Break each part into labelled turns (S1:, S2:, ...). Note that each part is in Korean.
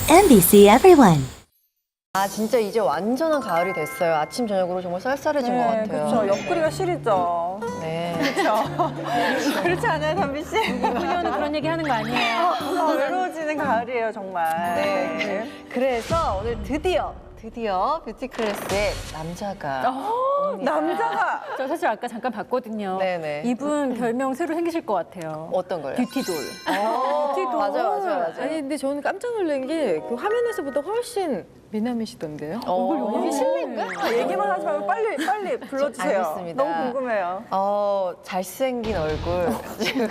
S1: MBC Everyone.
S2: 아 진짜 이제 완전한 가을이 됐어요. 아침 저녁으로 정말 쌀쌀해진 것 같아요.
S3: 그렇죠. 옆구리가 시리죠.
S2: 네.
S3: 그렇죠. 그렇지 않아요, 담비 씨?
S4: 그녀는 그런 얘기 하는 거 아니에요?
S3: 외로워지는 가을이에요, 정말.
S2: 네. 그래서 오늘 드디어 뷰티 클래스에 남자가 옵니다.
S3: 남자가
S4: 저 사실 아까 잠깐 봤거든요.
S2: 네네.
S4: 이분 별명 새로 생기실 것 같아요.
S2: 어떤 거요?
S4: 뷰티돌.
S2: 뷰티돌. 맞아요.
S5: 아니 근데 저는 깜짝 놀란 게 그 화면에서보다 훨씬 미남이시던데요?
S2: 이게 실례인가?
S3: 얘기만 하지 말고 빨리 불러주세요.
S2: 알겠습니다.
S3: 너무 궁금해요.
S2: 잘생긴 얼굴. 지금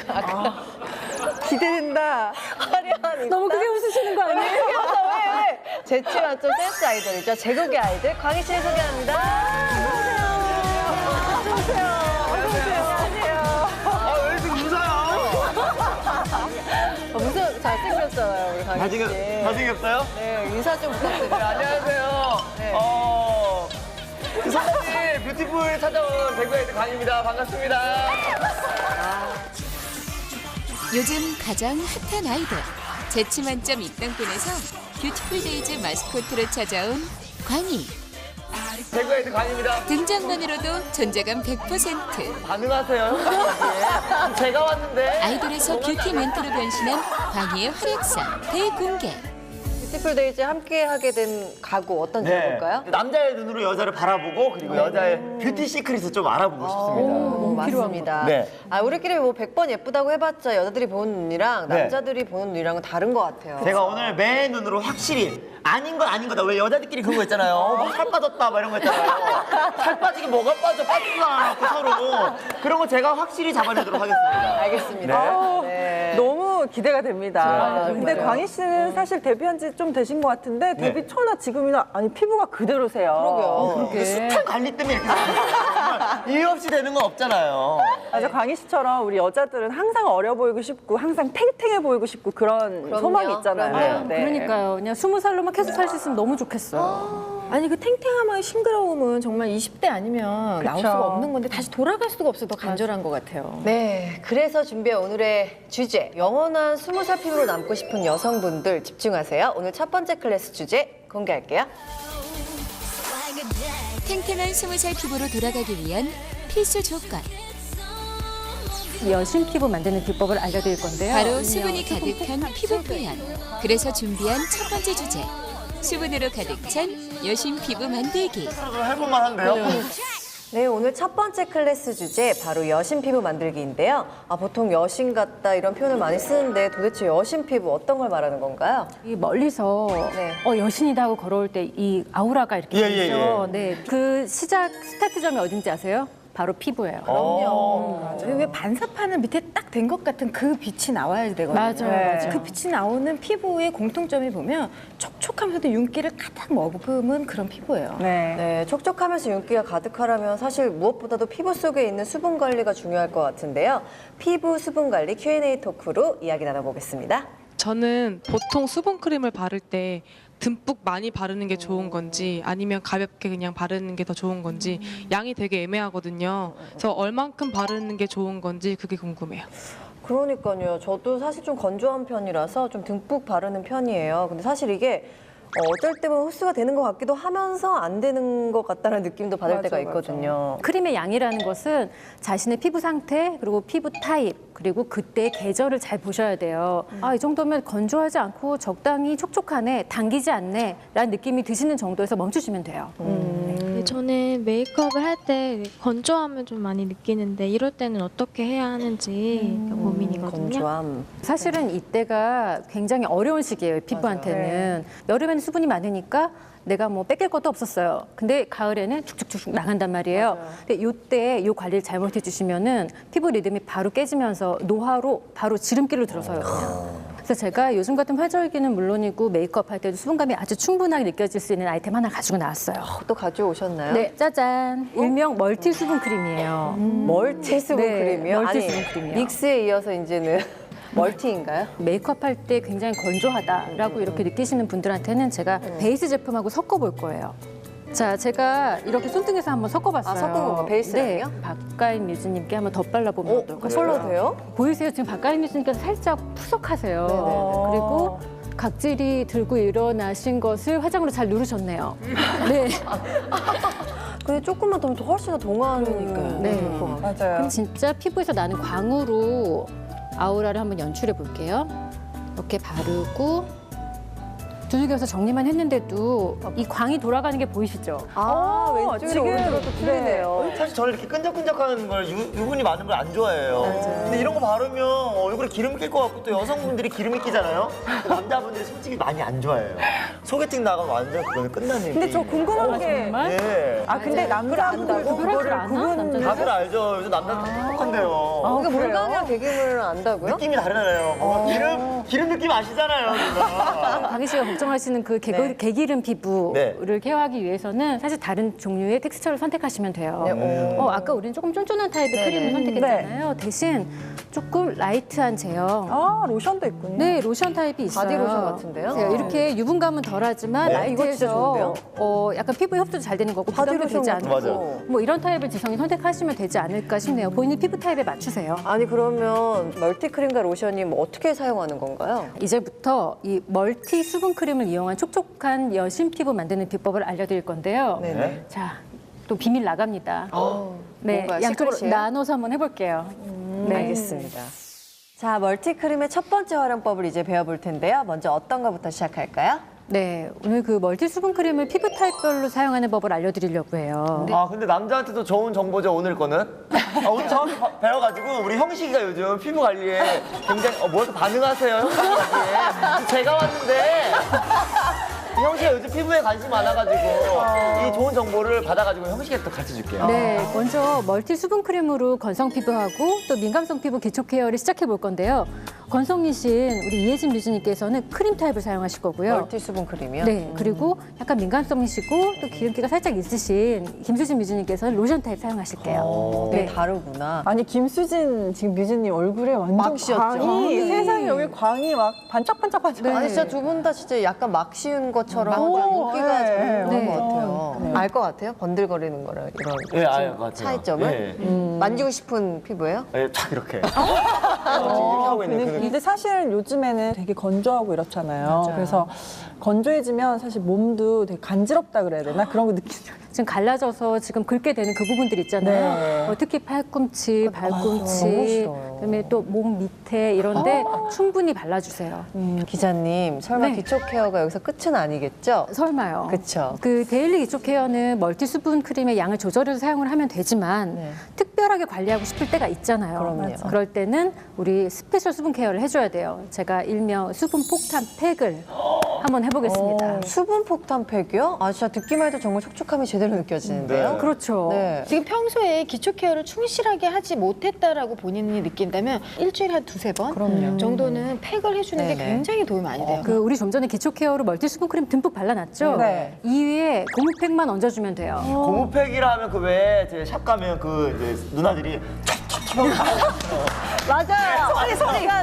S3: 기대된다.
S2: 화려한
S4: 너무 크게 웃으시는 거 아니에요?
S2: 왜? 재치 만점 센스 아이돌이죠. 제국의 아이들 광희 씨를 소개합니다.
S6: 왜 이렇게 웃어요?
S2: 무슨 잘생겼잖아요, 우리 광희 씨.
S6: 잘생겼어요?
S2: 네, 인사 좀 부탁드려요.
S6: 안녕하세요.
S2: 네.
S6: 그 선생님 뷰티풀 찾아온 대구의 강입니다. 반갑습니다.
S7: 요즘 가장 핫한 아이돌 재치 만점 입당권에서 뷰티풀 데이즈 마스코트로 찾아온 광희.
S6: 대구의 강입니다.
S7: 등장만으로도 존재감 100%.
S6: 반응하세요. 예. 제가 왔는데.
S7: 아이돌에서 뷰티 멘토로 변신한 광희의 활약상 대공개.
S2: 뷰티풀 데이즈 함께 하게 된 가구 어떤지 볼까요?
S6: 남자의 눈으로 여자를 바라보고 그리고 여자의 뷰티 시크릿을 좀 알아보고 싶습니다.
S2: 맞습니다.
S6: 네.
S2: 우리끼리 뭐 100번 예쁘다고 해봤자 여자들이 보는 눈이랑
S6: 네.
S2: 남자들이 보는 눈이랑은 다른 것 같아요.
S6: 제가 오늘 매 눈으로 확실히 아닌 건 아닌 거다. 왜 여자들끼리 그런 거 있잖아요. 뭐 살 빠졌다 막 이런 거 있잖아요. 살 빠지게 뭐가 빠져 빠지지 않고 서로 그런 거 제가 확실히 잡아내도록 하겠습니다.
S2: 알겠습니다. 네.
S3: 너무 기대가 됩니다.
S2: 네,
S3: 근데
S2: 정말요.
S3: 광희 씨는 사실 데뷔한 지 좀 되신 것 같은데 데뷔 초나 지금이나 아니 피부가 그대로세요.
S2: 그러게요.
S6: 이게 숱한 관리 때문에 이렇게 되는 거예요. 정말 이유 없이 되는 건 없잖아요.
S3: 맞아, 광희 씨처럼 우리 여자들은 항상 어려 보이고 싶고 항상 탱탱해 보이고 싶고 그런
S2: 그럼요.
S3: 소망이 있잖아요.
S2: 그럼요.
S3: 네.
S4: 그러니까요. 그냥 20살로만 계속 살 수 있으면 너무 좋겠어요.
S5: 아니 그 탱탱함과 싱그러움은 정말 20대 아니면 나올
S3: 그쵸.
S5: 수가 없는 건데 다시 돌아갈 수가 없어 더 간절한 것 같아요.
S2: 네, 그래서 준비한 오늘의 주제 영원한 20살 피부로 남고 싶은 여성분들 집중하세요. 오늘 첫 번째 클래스 주제 공개할게요.
S7: 탱탱한 20살 피부로 돌아가기 위한 필수 조건.
S4: 여신 피부 만드는 비법을 알려드릴 건데요.
S7: 바로 수분이 가득한 피부 표현. 그래서 준비한 첫 번째 주제. 수분으로 가득 찬 여신 피부 만들기.
S6: 해볼만 한데요?
S2: 네, 오늘 첫 번째 클래스 주제 바로 여신 피부 만들기인데요. 보통 여신 같다 이런 표현을 많이 쓰는데 도대체 여신 피부 어떤 걸 말하는 건가요?
S4: 이 멀리서
S2: 네.
S4: 여신이다 하고 걸어올 때 이 아우라가 이렇게
S6: 예, 예,
S4: 있죠. 네, 그 시작 스타트점이 어딘지 아세요? 바로 피부예요.
S2: 그럼요.
S5: 그리고 왜 반사판을 밑에 딱 된 것 같은 그 빛이 나와야 되거든요.
S4: 맞아요.
S5: 그 빛이 나오는 피부의 공통점이 보면 촉촉하면서도 윤기를 가득 머금은 그런 피부예요.
S3: 네.
S2: 네, 촉촉하면서 윤기가 가득하려면 사실 무엇보다도 피부 속에 있는 수분 관리가 중요할 것 같은데요. 피부 수분 관리 Q&A 토크로 이야기 나눠보겠습니다.
S8: 저는 보통 수분크림을 바를 때 듬뿍 많이 바르는 게 좋은 건지 아니면 가볍게 그냥 바르는 게 더 좋은 건지 양이 되게 애매하거든요. 그래서 얼만큼 바르는 게 좋은 건지 그게 궁금해요.
S2: 그러니까요. 저도 사실 좀 건조한 편이라서 좀 듬뿍 바르는 편이에요. 근데 사실 이게 어쩔 때 보면 흡수가 되는 것 같기도 하면서 안 되는 것 같다는 느낌도 받을
S3: 맞아,
S2: 때가 있거든요.
S4: 크림의 양이라는 것은 자신의 피부 상태 그리고 피부 타입 그리고 그때의 계절을 잘 보셔야 돼요. 이 정도면 건조하지 않고 적당히 촉촉하네, 당기지 않네 라는 느낌이 드시는 정도에서 멈추시면 돼요.
S9: 네, 저는 메이크업을 할 때 건조함을 좀 많이 느끼는데 이럴 때는 어떻게 해야 하는지 고민이거든요.
S2: 건조함.
S4: 사실은 이때가 굉장히 어려운 시기예요, 피부한테는. 여름에는 수분이 많으니까 내가 뭐 뺏길 것도 없었어요. 근데 가을에는 축축축축 나간단 말이에요. 근데 이때 이 관리를 잘못해 주시면은 피부 리듬이 바로 깨지면서 노화로 바로 지름길로 들어서요. 그냥. 그래서 제가 요즘 같은 활절기는 물론이고 메이크업 할 때도 수분감이 아주 충분하게 느껴질 수 있는 아이템 하나 가지고 나왔어요.
S2: 또 가져오셨나요?
S4: 네, 짜잔. 일명 멀티 수분 크림이에요.
S2: 멀티 수분
S4: 네,
S2: 크림이요?
S4: 멀티
S2: 아니,
S4: 수분 크림이요.
S2: 믹스에 이어서 이제는 멀티인가요?
S4: 메이크업 할 때 굉장히 건조하다라고 이렇게 느끼시는 분들한테는 제가 베이스 제품하고 섞어볼 거예요. 자, 제가 이렇게 손등에서 한번 섞어봤어요.
S2: 섞은 건가요? 베이스랑요?
S4: 네, 박가인 뮤즈님께 한번 덧발라보면 어떨까요?
S2: 컬러 돼요?
S4: 보이세요? 지금 박가인 뮤즈님께서 살짝 푸석하세요. 그리고 각질이 들고 일어나신 것을 화장으로 잘 누르셨네요. 네.
S2: 근데 조금만 더 하면 훨씬 더 동안이니까요.
S4: 네.
S5: 맞아요.
S4: 그럼 진짜 피부에서 나는 광으로 아우라를 한번 연출해 볼게요. 이렇게 바르고 두들겨서 정리만 했는데도 이 광이 돌아가는 게 보이시죠?
S2: 아, 왼쪽이랑
S3: 지금,
S2: 오른쪽으로 또 틀리네요.
S6: 사실 저는 이렇게 끈적끈적한 걸 유분이 많은 걸 안 좋아해요. 근데 이런 거 바르면 얼굴에 기름 낄 것 같고 또 여성분들이 기름이 끼잖아요. 남자분들이 솔직히 많이 안 좋아해요. 소개팅 나가면 완전 그거는 끝나는
S3: 근데 저 궁금한 게
S4: 정말?
S6: 네.
S3: 근데 남자분들도
S4: 구별할 줄
S3: 그거를
S4: 아나?
S3: 구분
S4: 남자들?
S6: 다들 알죠. 요즘 남자들 똑똑한데요.
S2: 그러니까 물광이랑 개기물을 안다고요?
S6: 느낌이 다르잖아요. 뭔가 기름 느낌 아시잖아요, 지금.
S4: 강희 씨가 걱정하시는 그
S2: 네.
S4: 개기름 피부를
S6: 네.
S4: 케어하기 위해서는 사실 다른 종류의 텍스처를 선택하시면 돼요.
S2: 네,
S4: 아까 우리는 조금 쫀쫀한 타입의
S2: 네,
S4: 크림을
S2: 네.
S4: 선택했잖아요. 대신 조금 라이트한 제형.
S3: 로션도 있군요.
S4: 네, 로션 타입이 있어요.
S2: 바디 로션 같은데요?
S4: 네, 이렇게 유분감은 덜하지만
S6: 네.
S2: 이거 진짜
S4: 라이트해서
S2: 좋은데요?
S4: 약간 피부에 흡수도 잘 되는 거고
S2: 바디
S4: 부담도
S2: 로션
S4: 되지
S2: 같은
S4: 않고
S6: 거.
S4: 뭐 이런 타입을 지성이 선택하시면 되지 않을까 싶네요. 본인 피부 타입에 맞추세요.
S2: 아니 그러면 멀티크림과 로션이 뭐 어떻게 사용하는 건가요?
S4: 이제부터 이 멀티 수분 크림을 이용한 촉촉한 여신 피부 만드는 비법을 알려드릴 건데요.
S2: 네네.
S4: 자, 또 비밀 나갑니다. 네,
S2: 뭔가요?
S4: 양쪽으로
S2: 시크릿이에요?
S4: 나눠서 한번 해볼게요. 네.
S2: 알겠습니다. 자, 멀티크림의 첫 번째 활용법을 이제 배워볼 텐데요. 먼저 어떤 거부터 시작할까요?
S4: 네, 오늘 그 멀티 수분 크림을 피부 타입별로 사용하는 법을 알려드리려고 해요.
S6: 아 근데 남자한테도 좋은 정보죠 오늘 거는. 오늘 정확히 배워가지고 우리 형식이가 요즘 피부 관리에 굉장히 뭐 이렇게 반응하세요 형식 관리에. 제가 왔는데 형식이가 요즘 피부에 관심이 많아가지고 이 좋은 정보를 받아가지고 형식이가 또 가르쳐 줄게요.
S4: 네, 먼저 멀티 수분 크림으로 건성 피부하고 또 민감성 피부 기초 케어를 시작해 볼 건데요. 건성이신 우리 이혜진 뮤즈님께서는 크림 타입을 사용하실 거고요.
S2: 멀티 수분 크림이요?
S4: 네, 그리고 약간 민감성이시고 또 기름기가 살짝 있으신 김수진 뮤즈님께서는 로션 타입 사용하실게요.
S2: 네, 다르구나.
S3: 아니 김수진 지금 뮤즈님 얼굴에 완전
S2: 막 씌웠죠.
S3: 광이 세상에 여기 광이 막 반짝반짝반짝.
S4: 네.
S2: 아니 진짜 두 분 다 진짜 약간 막 씌운 것처럼
S3: 오,
S2: 윤기가 잘
S3: 네.
S2: 나는
S4: 네.
S2: 것 같아요. 알 것 같아요? 번들거리는 거랑 이런
S6: 예, 알 것 같아요.
S2: 차이점을?
S6: 예.
S2: 만지고 싶은 피부예요?
S6: 예, 딱 이렇게. 지금 이렇게 하고 있는 그 느낌.
S3: 근데 사실 요즘에는 되게 건조하고 이렇잖아요. 그래서 건조해지면 사실 몸도 되게 간지럽다 그래야 되나? 그런 거 느끼죠.
S4: 지금 갈라져서 지금 긁게 되는 그 부분들 있잖아요.
S3: 네.
S4: 특히 팔꿈치, 발꿈치,
S2: 너무 싫어요.
S4: 그다음에 또 몸 밑에 이런데 충분히 발라주세요.
S2: 기자님, 설마
S4: 네.
S2: 기초 케어가 여기서 끝은 아니겠죠?
S4: 설마요.
S2: 그쵸.
S4: 그 데일리 기초 케어는 멀티 수분 크림의 양을 조절해서 사용을 하면 되지만
S2: 네.
S4: 특별하게 관리하고 싶을 때가 있잖아요.
S2: 그럼요.
S4: 그럴 때는 우리 스페셜 수분 케어를 해줘야 돼요. 제가 일명 수분 폭탄 팩을 한번 해보겠습니다.
S2: 수분 폭탄 팩이요? 아, 진짜 듣기만 해도 정말 촉촉함이 제대로 느껴지는데요?
S6: 네.
S4: 그렇죠.
S2: 네.
S5: 지금 평소에 기초 케어를 충실하게 하지 못했다라고 본인이 느낀다면 일주일에 한 두세 번
S2: 그럼요.
S5: 정도는 팩을 해주는 게
S2: 네네.
S5: 굉장히 도움이 많이 돼요.
S4: 그 우리 좀 전에 기초 케어로 멀티 수분 크림 듬뿍 발라놨죠.
S3: 네.
S4: 이 위에 고무팩만 얹어주면 돼요.
S6: 고무팩이라 하면 그 왜 제 샵 가면 그 이제 누나들이
S3: 맞아요. 소리가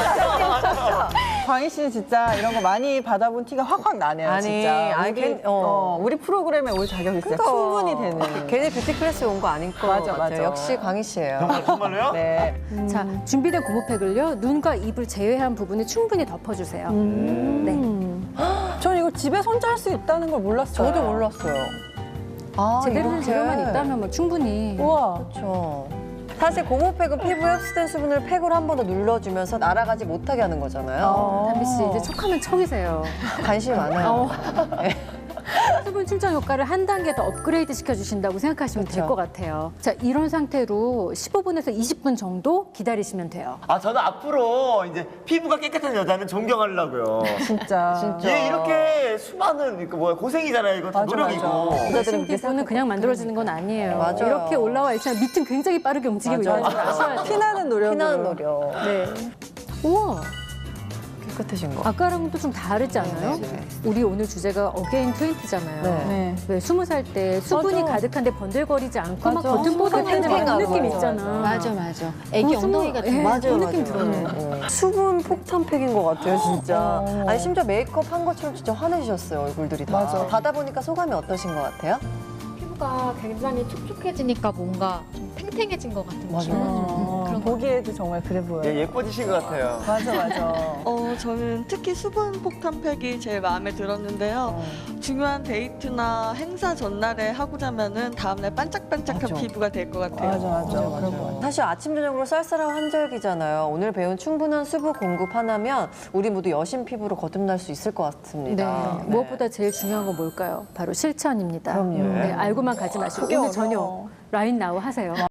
S3: 광희 씨는 진짜 이런 거 많이 받아본 티가 확확 나네요.
S2: 아니,
S3: 진짜.
S2: 아니,
S3: 우리 프로그램에 올 자격이 진짜 충분히 되는.
S2: 괜히 뷰티 클래스 온 거 아닌 것
S3: 맞아,
S2: 같아요.
S3: 맞아.
S2: 역시 광희 씨예요.
S6: 정말로요?
S3: 네.
S4: 자, 준비된 고무팩을요. 눈과 입을 제외한 부분에 충분히 덮어주세요. 네.
S3: 전 이거 집에 혼자 할 수 있다는 걸 몰랐어요.
S2: 저도 몰랐어요. 아,
S4: 제대로 된
S2: 이렇게.
S4: 재료만 있다면 뭐 충분히.
S3: 우와.
S2: 그렇죠. 사실 고무팩은 피부에 흡수된 수분을 팩으로 한 번 더 눌러주면서 날아가지 못하게 하는 거잖아요.
S4: 담비 씨 이제 척하면 척이세요.
S2: 관심이 많아요.
S4: 수분 충전 효과를 한 단계 더 업그레이드 시켜주신다고 생각하시면 될 것 같아요. 자, 이런 상태로 15분에서 20분 정도 기다리시면 돼요.
S6: 아 저는 앞으로 이제 피부가 깨끗한 여자는 존경하려고요.
S3: 진짜.
S6: 얘 이렇게 수많은 이거 뭐야 고생이잖아요. 이거 다
S3: 맞아,
S6: 노력이고.
S3: 맞아.
S4: 여신 피부는 그냥 만들어지는 건 아니에요.
S2: 맞아요.
S4: 이렇게 올라와 있지만 밑은 굉장히 빠르게 움직이고 있는 걸 아셔야 돼요.
S3: 피나는 노력으로.
S2: 피나는 노력.
S4: 네. 우와,
S2: 깨끗해진 거.
S4: 아까랑은 또 좀 다르지 않아요?
S2: 네.
S4: 우리 오늘 주제가 어게인 20잖아요.
S2: 네.
S3: 네.
S4: 왜 20살 때 수분이
S3: 맞아.
S4: 가득한데 번들거리지 않고 막
S3: 맞아.
S4: 겉은 뽀송한데 막
S2: 탱탱하고.
S4: 그 느낌
S2: 맞아,
S4: 있잖아.
S5: 맞아. 애기
S4: 그
S5: 엉덩이
S4: 스무-
S5: 같은
S4: 예,
S5: 거.
S4: 그 느낌 들어요.
S2: 수분 폭탄 팩인 것 같아요, 진짜. 아니, 심지어 메이크업 한 것처럼 진짜 환해지셨어요, 얼굴들이 다.
S3: 맞아.
S2: 받아보니까 소감이 어떠신 것 같아요?
S9: 피부가 굉장히 촉촉해지니까 뭔가 좀 탱탱해진 것 같은
S2: 맞아.
S9: 그런
S3: 보기에도 정말 그래 보여요.
S6: 예, 예뻐지신 것 같아요.
S3: 맞아, 맞아.
S1: 저는 특히 수분 폭탄팩이 제일 마음에 들었는데요. 중요한 데이트나 행사 전날에 하고 자면은 다음날 반짝반짝한
S3: 맞아.
S1: 피부가 될 것 같아요.
S3: 맞아, 맞아. 그런 거 같아요.
S2: 사실 아침 저녁으로 쌀쌀한 환절기잖아요. 오늘 배운 충분한 수분 공급 하나면 우리 모두 여신 피부로 거듭날 수 있을 것 같습니다.
S4: 네. 무엇보다 제일 중요한 건 뭘까요? 바로 실천입니다.
S2: 그럼요.
S4: 네, 알고만 가지 마시고
S3: 그게
S4: 오늘
S3: 어려워.
S4: 저녁 라인 나우 하세요.